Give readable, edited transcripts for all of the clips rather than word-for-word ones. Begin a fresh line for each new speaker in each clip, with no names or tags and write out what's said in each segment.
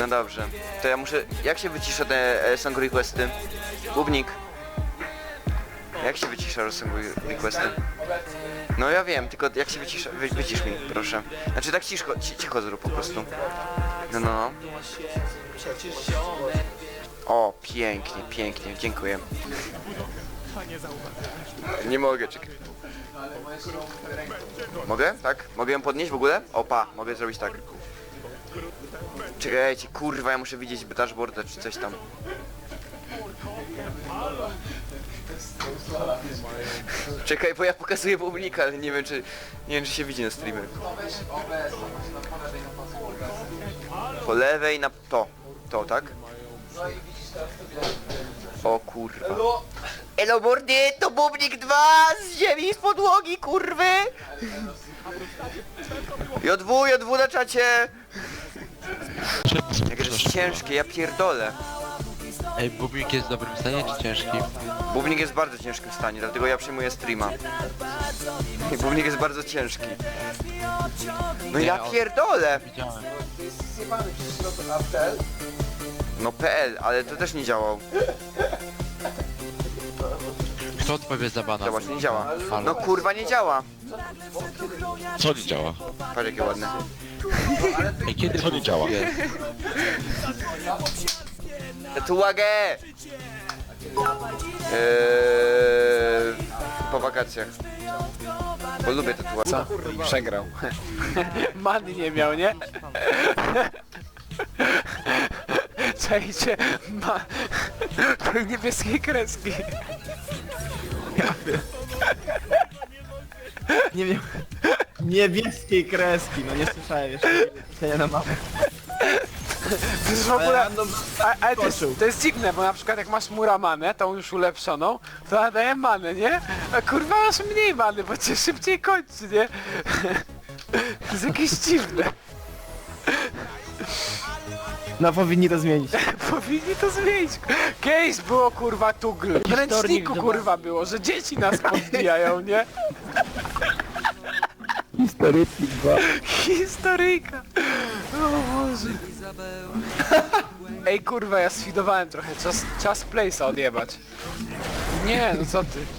No dobrze. To ja muszę... Jak się wycisza te song requesty? Bubnik. Jak się wycisza song requesty? No ja wiem, tylko jak się wycisza... Wycisz mi, proszę. Znaczy tak cicho zrób po prostu. No. O, pięknie, pięknie, dziękuję. Nie mogę, czekaj. Mogę? Tak? Mogę ją podnieść w ogóle? Opa, mogę zrobić tak. Czekajcie, kurwa, ja muszę widzieć dashboarda czy coś tam. Czekaj, bo ja pokazuję publika, ale nie wiem czy się widzi na streamie. Po lewej na to, tak? O kurwa. Elo mordy, to Bubnik 2 z ziemi, z podłogi, kurwy! J2 na czacie! Jak jest ciężkie, ja pierdolę.
Ej, Bubnik jest w dobrym stanie czy ciężkim?
Bubnik jest w bardzo ciężkim stanie, dlatego ja przyjmuję streama. I Bubnik jest bardzo ciężki. No ja pierdolę!
Widziałem.
No PL, ale to też nie działał.
Kto odpowie za bana?
Zobacz, nie działa.
Halo.
No kurwa nie działa.
Co nie działa?
Patrz jakie ładne.
Ej, kiedy
Co nie działa?
Tatuagę! Po wakacjach. Bo lubię tatuaże.
Co? Przegrał. Many nie miał, nie? Czajcie, ma... niebieskiej kreski.
Nie wiem. Niebieskiej kreski, no nie słyszałem jeszcze. Pytania na mapę.
To jest w ogóle... Ale to jest dziwne, bo na przykład jak masz muramanę, tą już ulepszoną, to nadaje manę, nie? A kurwa masz mniej many, bo cię szybciej kończy, nie? To jest jakieś dziwne.
No powinni to zmienić.
Powinni to zmienić. Kiedyś było kurwa tugl. W ręczniku kurwa było, że dzieci nas podbijają, nie?
Historyki 2.
Historyjka. O Boże. Ej kurwa, ja sfidowałem trochę. Czas place'a odjebać. Nie, no co ty?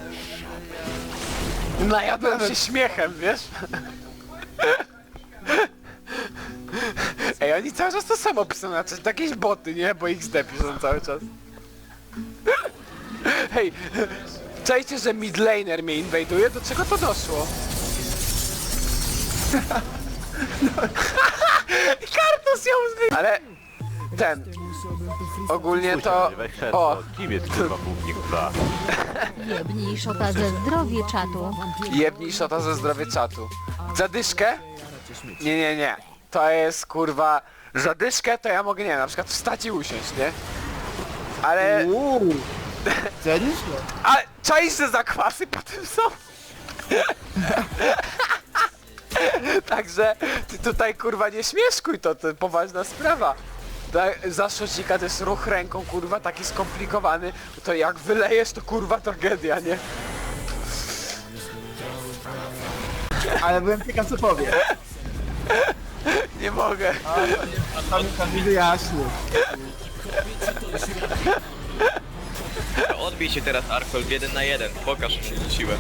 Najadłem się śmiechem, wiesz? Ej, oni cały czas to samo piszą na czas, jakieś boty, nie? Bo XD piszą cały czas. Hej, czajcie, że midlaner mnie inwajduje? Do czego to doszło? Kartus ją zwy... Ale... Ogólnie to... O!
Kim jest kurwa Bubnik 2?
Jebnij szota ze zdrowie czatu.
Jebnij szota ze zdrowie czatu. Zadyszkę? Nie. To jest kurwa... Zadyszkę to ja mogę, nie, na przykład wstać i usiąść, nie? Ale...
Cenisz?
A czaisz, że zakwasy potem są? Także ty tutaj kurwa nie śmieszkuj, to poważna sprawa. Za szocika to jest ruch ręką kurwa taki skomplikowany, to jak wylejesz to kurwa tragedia, nie?
Ale byłem ciekaw co powie.
Nie mogę.
Tam wyjaśnił.
Odbij się teraz Arkold 1 na 1, pokaż mu siłę.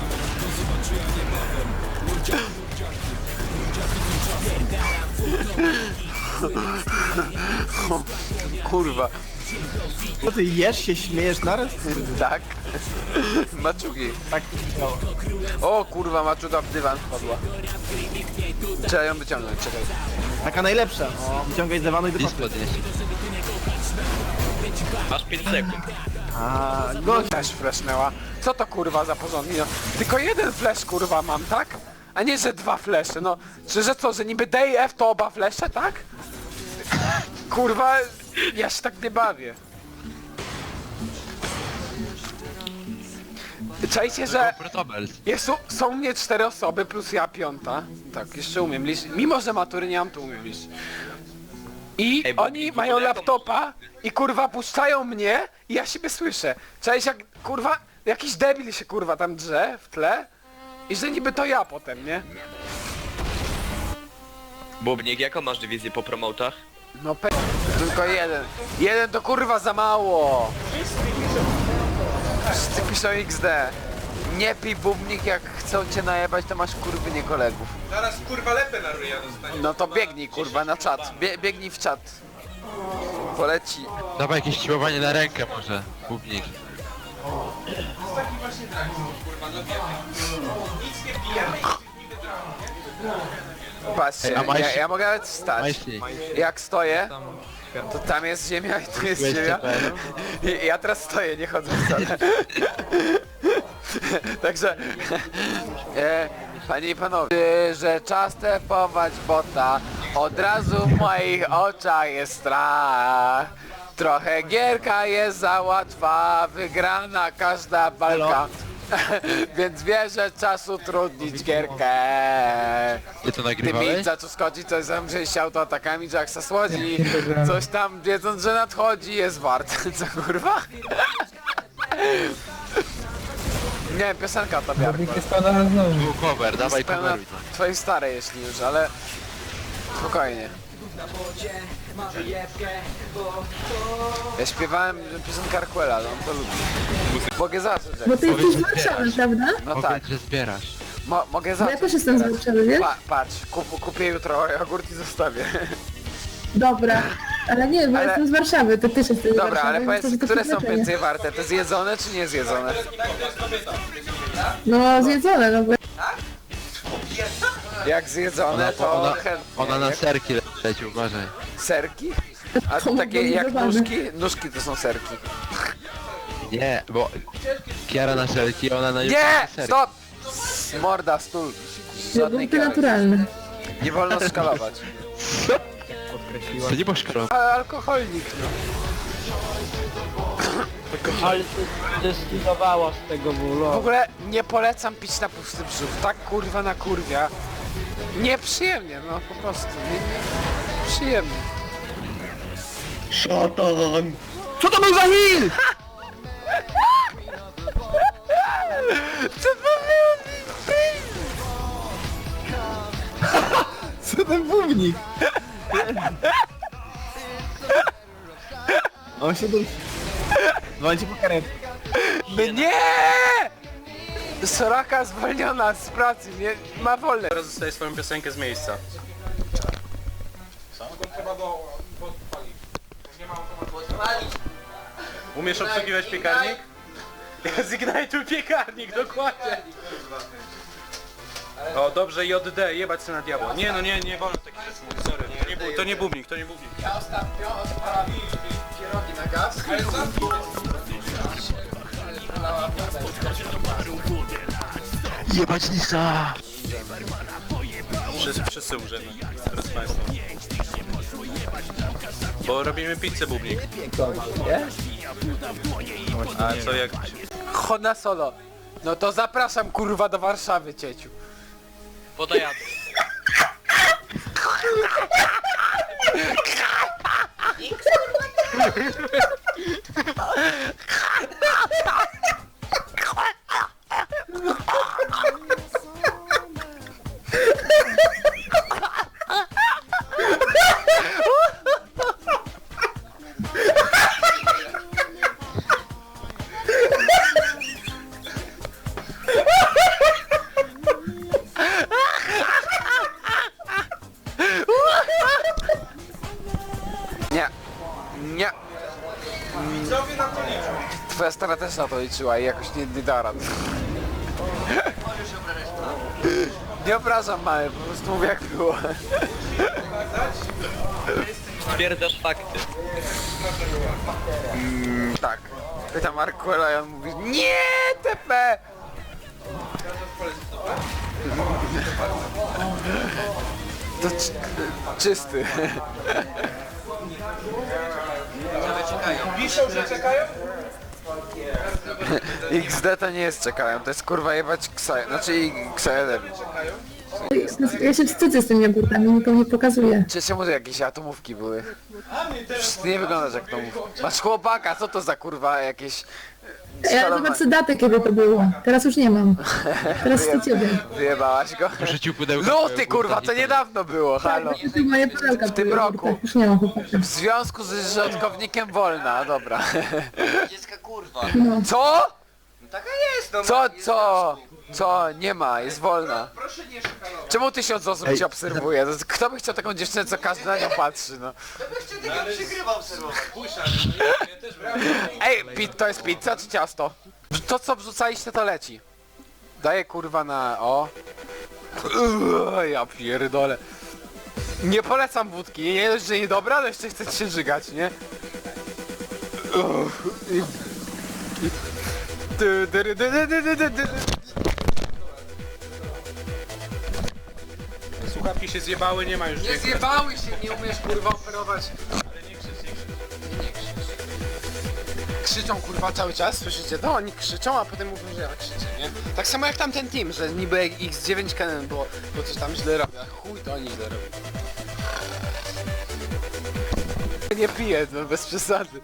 Kurwa.
Co ty jesz się, śmiejesz naraz?
Tak? Maczugi.
Tak to działa.
O kurwa, maczuga w dywan wpadła. Trzeba ją wyciągnąć, czekaj.
Taka najlepsza. Wyciągaj z dywanu i do
List
papy.
podnieść.
Masz 5 sekund.
A, gość.
Też flashnęła. Co to kurwa za porządki? No, tylko jeden flash kurwa mam, tak? A nie, że dwa flesze, no. Że co, że niby D i F to oba flesze, tak? Kurwa, ja się tak nie bawię. Czajcie, że
Protobels.
są mnie 4 osoby plus ja 5. Tak, jeszcze umiem liczyć. Mimo, że matury nie mam, to umiem liczyć. I
Ej, bo
oni
w
mają
ogóle
laptopa i kurwa puszczają mnie i ja siebie słyszę. Cześć, jak kurwa jakiś debil się kurwa tam drze w tle i że niby to ja potem, nie?
Bubnik, jaką masz dywizję po promotach?
No Tylko jeden. Jeden to kurwa za mało. Wszyscy piszą XD. Nie pij bubnik, jak chcą cię najebać, to masz kurwy nie kolegów.
Zaraz kurwa lepę na ryja dostanie.
No to biegnij kurwa na czat. Biegnij w czat. Poleci.
Dawaj jakieś siłowanie na rękę może, Bubnik.
Taki właśnie dragon, kurwa, no wiemy. Nic nie pijemy, nic nie wydramy.
Patrzcie,
Ej, a majsi-
ja mogę nawet wstać.
Majsi.
Jak stoję, to tam jest ziemia i tu jest ziemia. I ja teraz stoję, nie chodzę wcale. Także, panie i panowie, że czas tepować bota, od razu w moich oczach jest strach. Trochę gierka jest za łatwa, wygrana każda walka. Więc wierzę, czas utrudnić gierkę.
Ty to
Gdy
nagrywałeś?
mi zaczął skoczyć, coś zamrzyć się autoatakami, Jacksa słodzi. Coś tam, wiedząc, że nadchodzi, jest wart. Co kurwa? Nie wiem, piosenka to miarka.
Był cover, dawaj
Pełna
coveruj to.
twojej starej, jeśli już, ale spokojnie. Ja śpiewałem piosenkę Arquela, no on to lubi. Mogę zacząć,
Bo
jak
ty jesteś z Warszawy, prawda?
no tak,
Powiedz, że zbierasz.
mogę
Bo
zacząć.
ja też jestem z
teraz.
Warszawy, wiesz?
Patrz, kupię jutro jogurt i zostawię.
Dobra. Ale nie, bo
Ale-
jestem z Warszawy, to też jesteś z
Dobra,
Warszawy.
ale
więc
powiedz,
może to
które są
przeznaczenie.
więcej warte? Te zjedzone czy nie zjedzone?
No, zjedzone, no bo...
Jak zjedzone, to chętnie.
Ona na
Jak
serki leci, uważaj.
serki? A to
To
takie jak
wygrywane.
nóżki? Nóżki to są serki.
Nie, bo Kiara na serki, ona na
Nie!
serki.
Stop! Morda, stół. Żadnej
Produkty
kiary.
naturalne.
Nie wolno skalować.
To nie poszkodował.
Alkoholnik, no.
Ale zdecydowało z tego
W
bólu.
ogóle nie polecam pić na pusty brzuch. Tak kurwa na kurwia. Nieprzyjemnie, no po prostu. Nie przyjemnie.
Szatan! Co to był za heal?
Co to było?
Co ten bubnik? On się dusi. Dzwońcie po karetkę.
No nie! Soraka zwolniona z pracy, nie ma wolne.
Teraz zostaje swoją piosenkę z miejsca. Umiesz obsługiwać piekarnik? Zignituj piekarnik, dokładnie. O, dobrze, JD, jebać się na diabła. Nie, no nie wolno takich rzeczy mówić, sorry. To nie bubnik, to nie bubnik.
Ja ostatnio odpalałem pierogi na gaz.
Jebać Lisa!
Wszyscy umrzemy, teraz państwo. Bo robimy pizzę bubnik. A co jak...
Honda Solo. No to zapraszam kurwa do Warszawy, cieciu.
Podajadę.
Nie. Nie. Twoja stara też na to liczyła i jakoś nie da rad. Nie obrażam mamy, po prostu mówię jak było.
Stwierdzasz fakty.
Tak. Pytam Arquela i on mówi nie TP! To czysty.
Piszą, że czekają?
XD to nie jest czekają, to jest kurwa jebać Ksaja, znaczy Ksaja.
Ja się wstydzę z tymi jogurtami, nikomu nie pokazuję.
Czy czemu to jakieś atomówki były? Ty nie wyglądasz jak atomówka. Masz chłopaka, co to za kurwa jakieś
Ja zobaczę datę, kiedy to było. Teraz już nie mam. Teraz to ciebie.
Wyjebałaś go?
Wrzucił pudełko.
No ty kurwa, to niedawno było, halo.
To moje pudełka
W tym
były,
roku.
Tak, już nie mam chłopaka.
W związku z rządkownikiem wolna, dobra.
Dziecka kurwa.
Co?
No taka jest, no.
Co? Nie ma, jest wolna.
Proszę nie szykanować.
Czemu 1000 osób cię obserwuje? Kto by chciał taką dziewczynę, co każdy na nią patrzy, no?
Jeszcze takiego przygrywa obserwować.
Ja też brałem.
Ej, to jest pizza czy ciasto? To co wrzucaliście to leci. Daję kurwa na... o. Ja pierdolę. Nie polecam wódki, nie dość, że niedobra, ale jeszcze chcecie się żygać, nie?
Słuchawki się zjebały, nie ma już
Nie
dźwięku.
zjebały się, nie umiesz kurwa operować.
Ale nie krzycz, nie krzycz.
Krzyczą kurwa cały czas, słyszycie to? Oni krzyczą, a potem mówią, że ja krzyczę, nie? Tak samo jak tamten team, że niby X9 Canon było, bo coś tam źle robią, a chuj to oni źle robią. Nie piję, no bez przesady.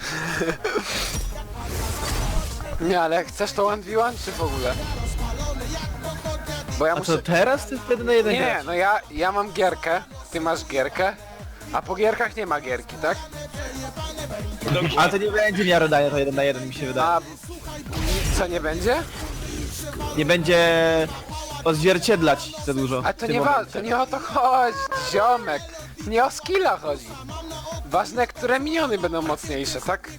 Nie, ale jak chcesz to 1v1 czy w ogóle? Bo ja
A
muszę...
co teraz ty wtedy na jeden
Nie,
grać?
no ja mam gierkę, ty masz gierkę, a po gierkach nie ma gierki, tak?
A to nie będzie miarodania, to 1 na 1 mi się wydaje.
A co nie będzie?
Nie będzie odzwierciedlać za dużo.
A
w
to
tym
nie,
momencie.
to nie o to chodzi, ziomek. Nie o skilla chodzi. Ważne, które miniony będą mocniejsze, tak?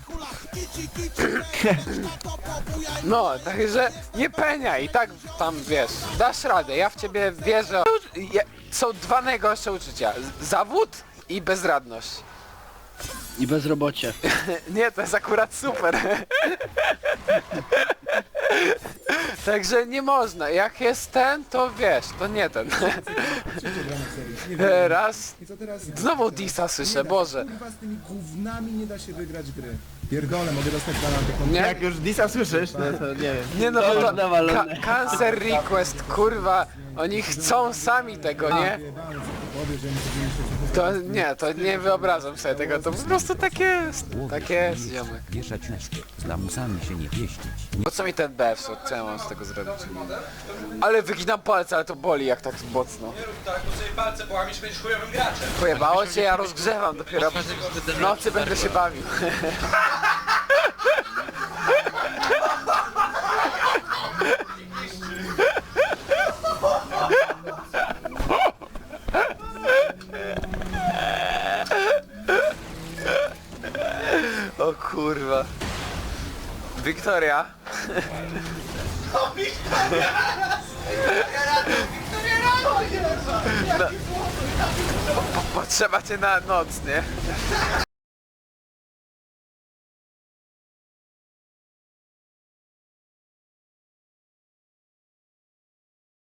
No, także nie peniaj i tak tam wiesz, dasz radę, ja w ciebie wierzę. Są dwa najgorsze uczucia. Zawód i bezradność.
I bezrobocie.
Nie, to jest akurat super. Także nie można. Jak jest ten, to wiesz, to nie ten. Raz.
I co teraz?
Znowu Disa słyszę, Boże.
Kurwa, z tymi gównami nie da się wygrać gry. Pierdolę, mogę dostać granatę.
Nie?
Jak już Disa słyszysz, no to nie wiem.
Nie no, bo to Cancer Request, kurwa, oni chcą sami tego, nie? To nie, to nie wyobrażam sobie tego, to po prostu tak jest, ziomy.
Wieszać łóżko, z lamusami się nie pieścić.
Po co mi ten BF, co ja mam z tego zrobić? Ale wyginam palce, ale to boli jak tak mocno.
Nie rób tak, bo sobie palce połamiesz, będziesz chujowym graczem.
Pojebało cię, ja rozgrzewam dopiero, w nocy będę się bawił. O kurwa. Wiktoria. No, potrzeba cię na noc, nie?